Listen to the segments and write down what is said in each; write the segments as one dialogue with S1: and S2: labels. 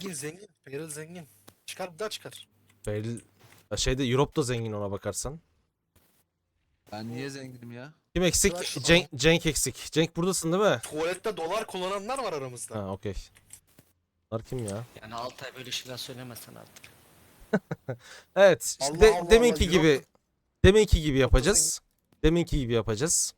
S1: Zengin zengin. Peril zengin. Çıkar bir daha çıkar.
S2: Belli. Şeyde Europe da zengin ona bakarsan.
S3: Ben niye zenginim ya?
S2: Kim eksik?
S1: Tıraş
S2: Cenk eksik. Cenk buradasın değil mi?
S1: Tuvalette dolar kullananlar var aramızda.
S2: Ha okey. Bunlar kim ya?
S4: Yani Altay böyle şeyler söylemezsen artık.
S2: Evet. işte
S1: Allah Allah
S2: deminki
S1: Allah,
S2: gibi
S1: Europe-
S2: deminki gibi yapacağız. Deminki gibi yapacağız.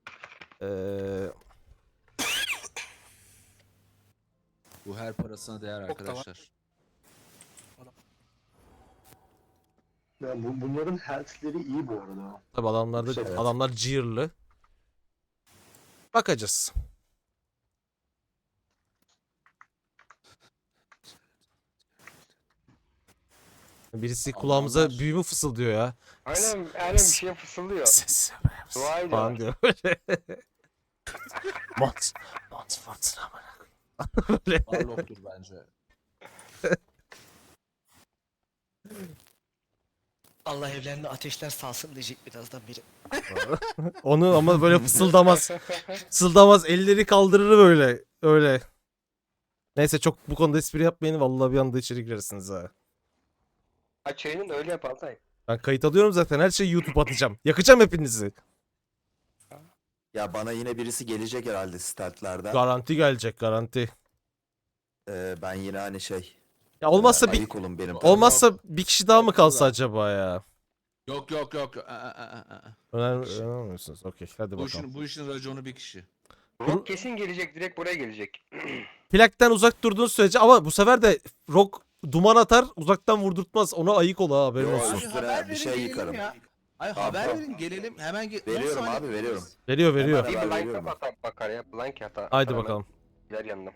S3: Bu her parasına değer
S1: Çok da var.
S3: arkadaşlar.
S5: Ya bunların health'leri iyi bu arada.
S2: Tabii adamlarda
S5: Evet.
S2: adamlar clear'lı. Bakacağız. Birisi kulağımıza
S3: Adamlar-
S2: büyümü fısıldıyor ya.
S6: Aynen bir şey fısıldıyor.
S2: Ses
S6: Dua ediyor.
S2: falan diyor böyle. Mont fırtına böyle.
S3: Warlock'tur bence.
S4: Allah evlerine ateşler salsın diyecek birazdan biri.
S2: Onu ama böyle fısıldamaz. Fısıldamaz, elleri kaldırır böyle. Öyle. Neyse çok bu konuda espri yapmayın. Vallahi bir anda içeri girersiniz ha.
S6: Aç yayını da öyle yap Altay.
S2: Ben kayıt alıyorum zaten. Her şeyi YouTube atacağım. Yakacağım hepinizi.
S7: Ya bana yine birisi gelecek herhalde startlarda.
S2: Garanti gelecek, garanti.
S7: Ben yine hani şey.
S2: Ya olmazsa bir
S7: ayık olun benim.
S2: olmazsa bir kişi daha mı kalsa acaba ya?
S3: Yok.
S2: Önermiyorsunuz. Okey, hadi
S3: Bu
S2: bakalım.
S3: işin raconu bir kişi.
S6: Rock kesin gelecek, direkt buraya gelecek.
S2: Plakten uzak durduğun sürece ama bu sefer de Rock duman atar, uzaktan vurdurtmaz. Ona ayık ol ha, haberin
S7: Yo,
S2: olsun.
S7: üstüne bir şey yıkarım.
S3: Ay
S7: Tamam,
S3: haber
S7: tamam.
S3: verin gelelim hemen
S7: Veriyorum abi, veriyorum.
S2: Veriyor.
S7: Hemen
S6: Bir
S7: haber
S6: blind
S7: veriyorum.
S6: atar bakar ya. Blind atar.
S2: Haydi
S6: hemen
S2: bakalım.
S6: Gider yanına.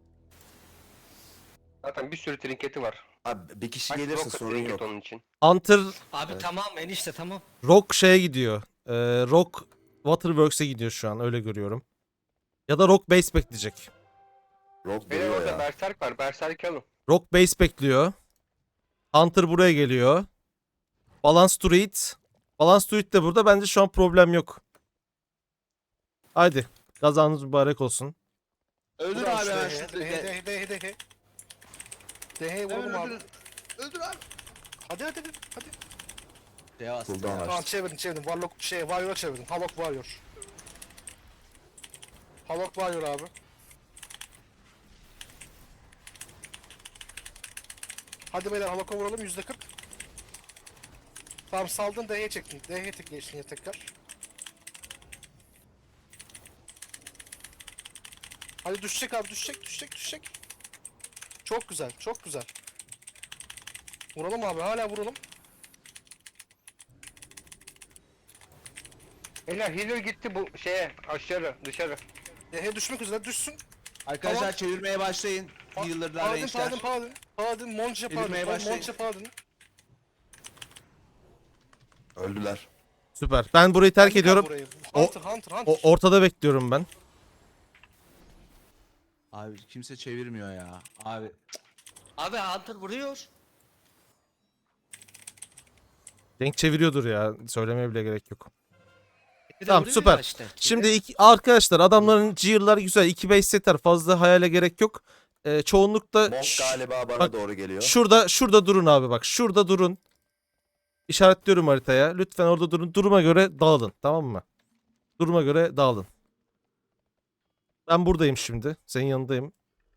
S6: Zaten bir sürü trinketi var.
S7: Abi bir kişi
S6: Kaç
S7: gelirse
S6: rocket
S7: sorun
S6: trinket
S7: yok.
S6: onun için.
S2: Hunter
S4: Abi tamam enişte tamam.
S2: Rock şeye gidiyor. Rock Waterworks'e gidiyor şu an, öyle görüyorum. Ya da Rock Base bekleyecek.
S7: Rock
S6: Benim
S7: duruyor
S6: orada
S7: ya.
S6: Berserk var. Berserk alın.
S2: Rock Base bekliyor. Hunter buraya geliyor. Balance Druid. Balance Druid de burada. Bence şu an problem yok. Haydi. Kazanız mübarek olsun.
S3: Öldür
S1: Vur
S3: abi
S1: şu
S3: hemen
S1: D'ye,
S3: şu
S1: D'ye. D'ye vuralım abi.
S3: Öldür abi.
S1: Hadi.
S3: Devas.
S7: Cooldown
S1: Tamam
S7: açtım.
S1: çevirin. Warlock Warrior'a çevirin. Halok Warrior. Halok Warrior abi. Hadi beyler Halok'a vuralım %40. Tamam saldın D'ye çektin. D'ye tıklayın tekrar. Hadi düşecek abi düşecek. Çok güzel. Vuralım abi hala vuralım.
S6: Beyler healer gitti bu şeye dışarı.
S1: D'ye düşmek üzere düşsün.
S3: Arkadaşlar
S1: Tamam.
S3: çevirmeye başlayın. Healer'lar, range'ler.
S1: Paladin, Monce
S3: Elimeye başlayın.
S1: Paladin.
S7: Öldüler.
S2: Süper. Ben burayı terk
S1: Hangi
S2: ediyorum.
S1: burayı?
S2: O-
S1: Hunter.
S2: Ortada bekliyorum ben.
S3: Abi kimse çevirmiyor ya. Abi
S4: Abi Hunter vuruyor.
S2: Denk çeviriyordur ya. Söylemeye bile gerek yok.
S4: Bir de
S2: Tamam,
S4: vuruyor
S2: süper.
S4: ya işte.
S2: Şimdi arkadaşlar adamların gear'ları güzel. 2 base setter. Fazla hayale gerek yok. Çoğunlukla
S7: Monk galiba bana
S2: bak,
S7: doğru geliyor.
S2: şurada durun abi bak. Şurada durun. İşaretliyorum haritaya. Lütfen orada durun. Duruma göre dağılın. Tamam mı? Duruma göre dağılın. Ben buradayım şimdi. Senin yanındayım.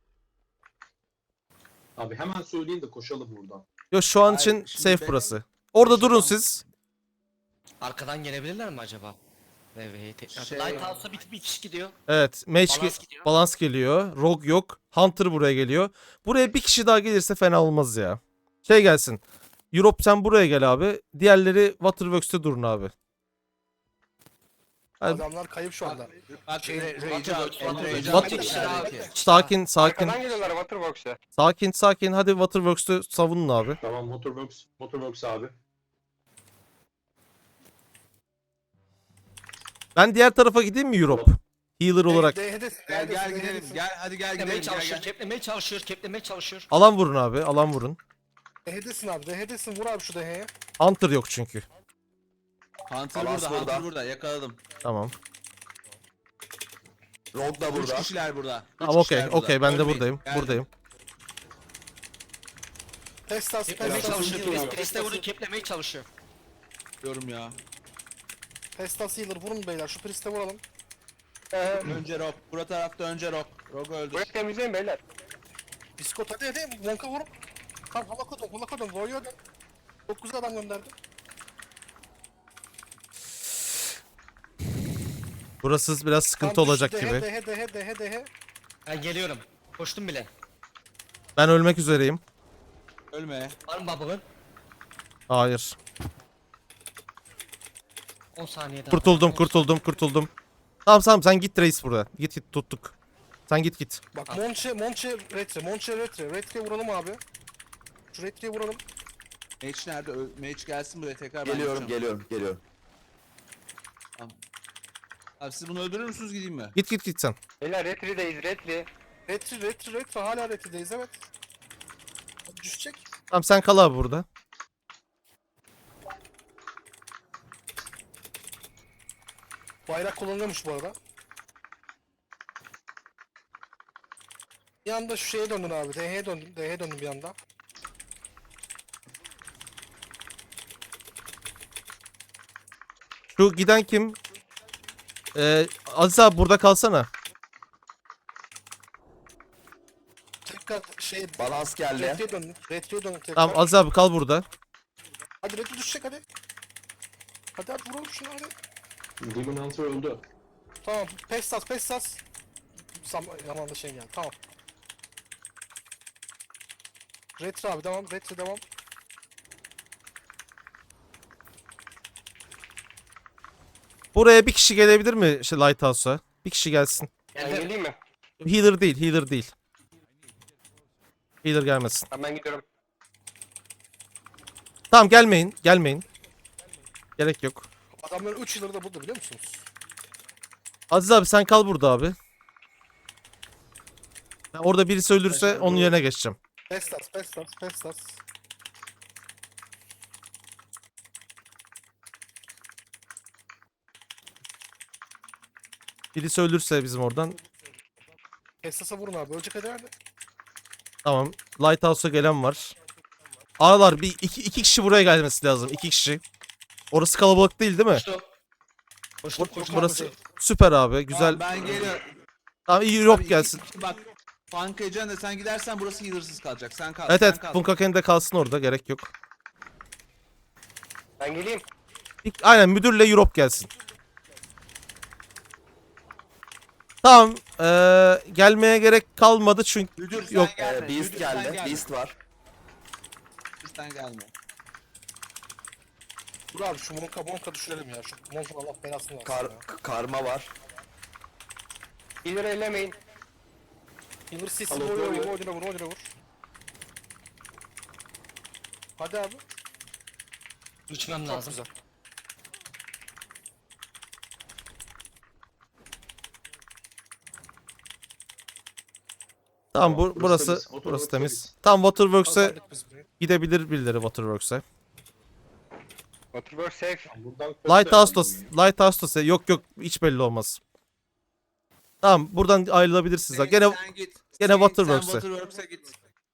S5: Abi hemen söyleyin de koşalım buradan.
S2: Yo, şu an
S3: Hayır,
S2: için
S3: şimdi
S2: safe
S3: ben-
S2: burası. Orada durun
S3: adam-
S2: siz.
S4: Arkadan gelebilirler mi acaba? Evet tekrar.
S3: Şey-
S4: Lighthouse'a bir kişi gidiyor.
S2: Evet.
S4: Balans gidiyor.
S2: Balans geliyor. Rogue yok. Hunter buraya geliyor. Buraya bir kişi daha gelirse fena olmaz ya. Şey gelsin. Europe sen buraya gel abi. Diğerleri Waterworks'te durun abi. Hadi.
S1: Adamlar kayıp şu anda.
S3: bak
S1: Şey,
S3: range'e al. Range'e
S2: What-
S3: al.
S4: kişi daha ki.
S2: Sakin.
S6: Arkadan geliyorlar Waterbox'a.
S2: Sakin. Hadi Waterworks'te savunun abi.
S5: Tamam Motorworks abi.
S2: Ben diğer tarafa gideyim mi Europe? Healer olarak.
S3: Gel gidelim. Gel hadi gel
S4: Keplemeye
S3: gidelim.
S4: çalışıyor,
S3: Gel.
S4: keplemeye çalışıyor.
S2: Alan vurun abi. Alan vurun.
S1: D'desin abi. D'desin vur abi şu D'ye.
S2: Hunter yok çünkü.
S3: Hunter
S7: Balans
S3: burada,
S7: burada.
S3: Hunter burada. Yakaladım.
S2: Tamam.
S7: Rock da
S3: 3
S7: burada.
S3: kişiler burada. Üç
S2: Tamam okey.
S3: kişiler burada.
S2: Okey ben de
S3: Ölmeyin.
S2: buradayım.
S3: Geldim.
S2: Buradayım.
S1: Pestas,
S4: Keplemeye
S1: Pestas
S4: çalışıyor.
S1: healer.
S4: Priest'e vurup keplemeye çalışıyor.
S3: Diyorum ya.
S1: Pestas healer vurun beyler. Şu Priest'e vuralım.
S3: Önce Rock. Bura tarafta önce Rock. Rock öldür.
S6: Burayı temizleyin beyler.
S1: Biskot hadi. Wonka vurun. Kan hala kodum. Warrior'dan. Çok güzel adam gönderdi.
S2: Burası biraz sıkıntı
S1: Kan
S2: olacak
S1: düştü.
S2: gibi.
S1: Dehe.
S4: Ben geliyorum. Koştum bile.
S2: Ben ölmek üzereyim.
S3: Ölme.
S4: Var mı bubble'ın?
S2: Hayır.
S4: 10 saniye daha.
S2: Kurtuldum. Tamam sen git reis burada. Git tuttuk. Sen git.
S1: Bak Monche Retre. Retre'ye vuralım abi. Şu Retre'ye vuralım.
S3: Mage nerede? Mage gelsin buraya tekrar ben
S7: Geliyorum
S3: yapacağım.
S7: geliyorum.
S3: Abi siz bunu öldürür müsünüz gideyim mi?
S2: Git sen.
S6: Beyler Retri'deyiz Retri.
S1: Retre. Hala Retre'deyiz evet. Düşecek.
S2: Tamam sen kal abi burada.
S1: Bayrak kullanılıyormuş bu arada. Bir anda şu şeye döndün abi. DH'ye döndüm bir anda.
S2: Şu giden kim? Aziz abi burada kalsana.
S1: Tekrar şey
S7: Balans geldi.
S1: Retre'ye döndüm tekrar.
S2: Tamam Aziz abi kal burada.
S1: Hadi Retre düşecek hadi. Hadi vuralım şunu hadi.
S5: Demon Hunter öldü.
S1: Tamam Pestas. Zamanda şey geldi tamam. Retre abi devam.
S2: Buraya bir kişi gelebilir mi Lighthouse'a? Bir kişi gelsin.
S6: Ben geleyim mi?
S2: Healer değil. Healer gelmesin.
S6: Ben gidiyorum.
S2: Tamam gelmeyin. Gerek yok.
S1: Adamların 3 yılları da burada biliyor musunuz?
S2: Aziz abi sen kal burada abi. Ben orada birisi ölürse onun yerine geçeceğim.
S1: Pestas.
S2: Birisi ölürse bizim oradan.
S1: Pestas'a vurun abi. Ölecek hadi.
S2: Tamam. Lighthouse'a gelen var. Ağlar iki kişi buraya gelmesi lazım. 2 kişi. Orası kalabalık değil mi?
S4: Koştum.
S2: Burası süper abi. Güzel.
S3: Tamam, ben geliyorum.
S2: Tamam iyi
S3: Abi,
S2: Rock gelsin.
S3: Bak. Funk Ecen de sen gidersen burası healersız kalacak. Sen kal.
S2: Evet
S3: sen kal.
S2: Bunkaken de kalsın orada. Gerek yok.
S6: Ben geleyim.
S2: Aynen müdürle Europe gelsin. Tamam. Gelmeye gerek kalmadı çünkü
S3: Müdür sen
S2: yok.
S3: gelme.
S7: Beast
S3: Müdür sen
S7: geldi.
S3: gelme.
S7: Beast var.
S3: Sen gelme.
S1: Dur abi şu Monka düşürelim ya. Şu Monka Allah belasını versin ya.
S7: Karma var.
S6: İleri ellemeyin.
S1: Healer CC
S5: Alo,
S1: vur.
S5: Warrior.
S1: Odin'e vur. Hadi abi.
S4: İçmem
S1: Çok
S4: lazım.
S1: güzel.
S2: Tamam
S5: Burası
S2: burası
S5: temiz.
S2: burası
S5: Waterworks'a
S2: temiz. Tam Waterworks'e
S1: Kazandık biz burayı.
S2: gidebilir birileri Waterworks'e.
S6: Waterworks safe.
S5: Buradan
S2: Lighthouse'da yok hiç belli olmaz. Tamam buradan ayrılabilirsiniz.
S3: Sen
S2: Gene
S3: git.
S2: gene
S3: Sen
S2: Waterworks'e.
S3: Waterworks'e git.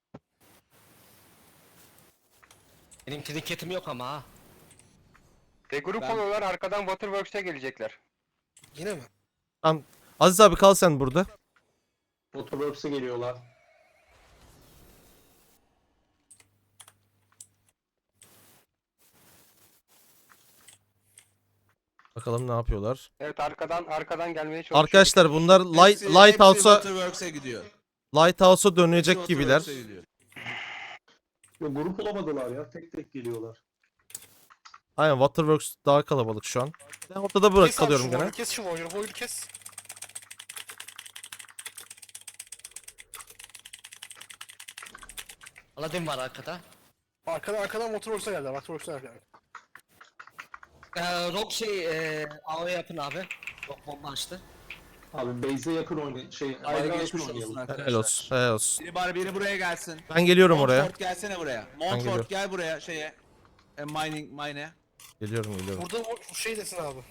S4: Benim trinketim yok ama ha.
S6: Regroup
S3: Ben-
S6: oluyorlar arkadan Waterworks'e gelecekler.
S1: Yine mi?
S2: Tamam. Aziz abi kal sen burada.
S5: Waterworks'e geliyorlar.
S2: Bakalım ne yapıyorlar.
S6: Evet arkadan gelmeye çalışıyor.
S2: Arkadaşlar bunlar
S3: Hepsi
S2: Lighthouse'a
S3: Waterworks'e gidiyor.
S2: dönecek
S3: Hepsi
S2: gibiler.
S3: Waterworks'e gidiyor.
S5: Ya, grup olamadılar ya. Tek geliyorlar.
S2: Aynen Waterworks daha kalabalık şu an. Ben ortada
S1: Kes abi
S2: kalıyorum
S1: şu
S2: gene.
S1: Warrior'ı, kes şu Warrior'ı kes.
S4: Aladdin var arkada.
S1: Arkadan Waterworks'a geldi.
S4: Rock AO yapın abi. Rock bomba açtı.
S5: Abi base'e yakın oynayın. Aynen yakın
S3: Geçmiş olsun
S5: oynayalım.
S3: arkadaşlar.
S2: Helal olsun.
S3: Biri buraya gelsin.
S2: Ben geliyorum oraya.
S3: Montfort gelsene buraya.
S2: geliyorum.
S3: Montfort gel buraya mine'e.
S1: Burada
S2: Geliyorum.
S1: o şey desin abi.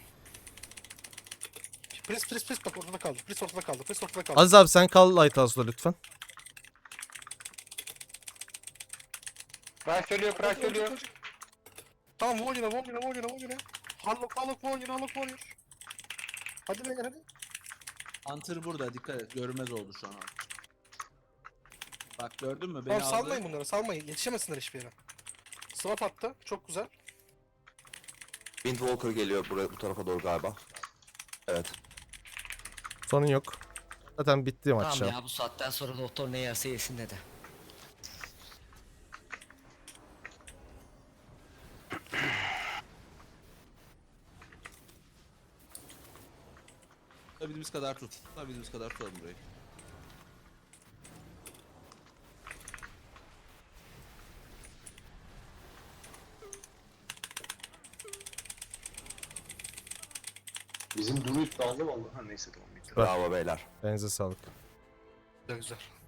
S1: Pris bak ortada kaldı. Pris ortada kaldı.
S2: Aziz abi sen kal Lighthouse'da lütfen.
S6: Price ölüyor, Price ölüyor.
S1: Tamam vur yine. Harlock vur. Hadi beyler hadi.
S3: Hunter burada, dikkat et. Görünmez oldu şu an. Bak gördün mü? Beni
S1: Tamam
S3: aldı.
S1: salmayın bunları salmayın. Yetişemesinler hiçbir yere. Swap attı. Çok güzel.
S7: Windwalker geliyor buraya, bu tarafa doğru galiba. Evet.
S2: Sorun yok. Zaten bitti maç
S4: Tamam
S2: ya.
S4: ya bu saatten sonra doktor ne yerse yesin dedi.
S3: Tutabildiğimiz kadar tut. Tutabildiğimiz kadar tutalım burayı.
S5: Bizim Druid lazım oldu. Ha neyse tamam.
S7: Bravo beyler.
S2: Elinize sağlık.
S1: Güzel.